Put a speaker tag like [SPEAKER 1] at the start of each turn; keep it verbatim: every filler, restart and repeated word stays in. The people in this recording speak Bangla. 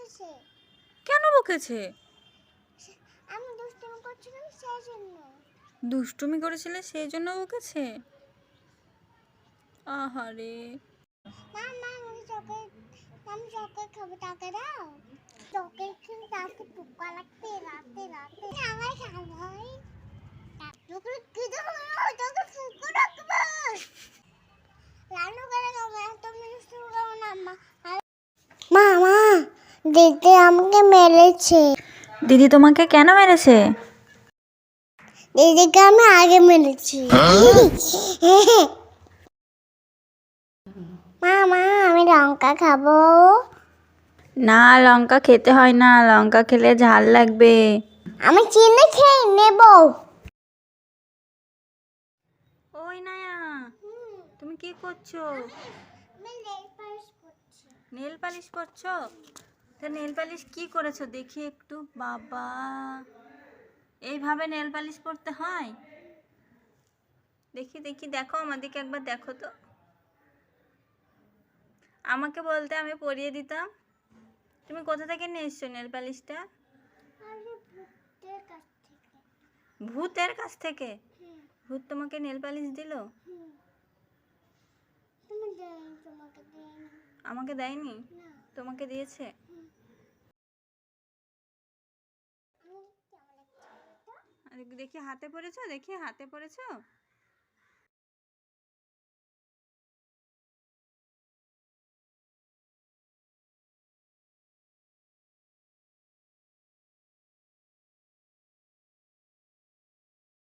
[SPEAKER 1] বকেছে।
[SPEAKER 2] কেন বকেছে?
[SPEAKER 1] আমি দুষ্টুমি করছিলাম সেই জন্য।
[SPEAKER 2] দুষ্টুমি করেছিলে সেই জন্য বকেছে? আহারে।
[SPEAKER 1] মা মা আমাকে চকলেট, আমি চকলেট খাবো, টাকা দাও। চকলেট খেলে তাকে পোকা লাগতে রাতে রাতে আমার খাওয়াই। চকলেট কি দেবো? তোকে পোকা রাখবো। লালু করে খাবো, তুমি দুষ্টু করো না মা। মা মা দিদি আমাকে মেরেছে।
[SPEAKER 2] দিদি তোমাকে কেন মেরেছে?
[SPEAKER 1] দিদিকে আমি আগে মেরেছি। মা মা আমি লঙ্কা খাবো।
[SPEAKER 2] না, লঙ্কা খেতে হয় না, লঙ্কা খেলে ঝাল লাগবে।
[SPEAKER 1] আমি চিনি খেয়ে নেব।
[SPEAKER 2] ওই নায়া, তুমি কি করছো? নেল পালিশ করছো? তো নেল পালিশ কি করেছো দেখি একটু। বাবা, এইভাবে নেল পালিশ করতে হয়? দেখি দেখি, দেখো আমাদেরকে একবার দেখো তো। আমাকে বলতে আমি পরিয়ে দিতাম। তুমি কোথা থেকে নিয়ে এসছো নেল পালিশটা? ভূতের কাছ থেকে? ভূত তোমাকে নেল পালিশ দিল? আমাকে দেয়নি, তোমাকে দিয়েছে। দেখি হাতে পড়েছো, দেখি হাতে পড়েছো।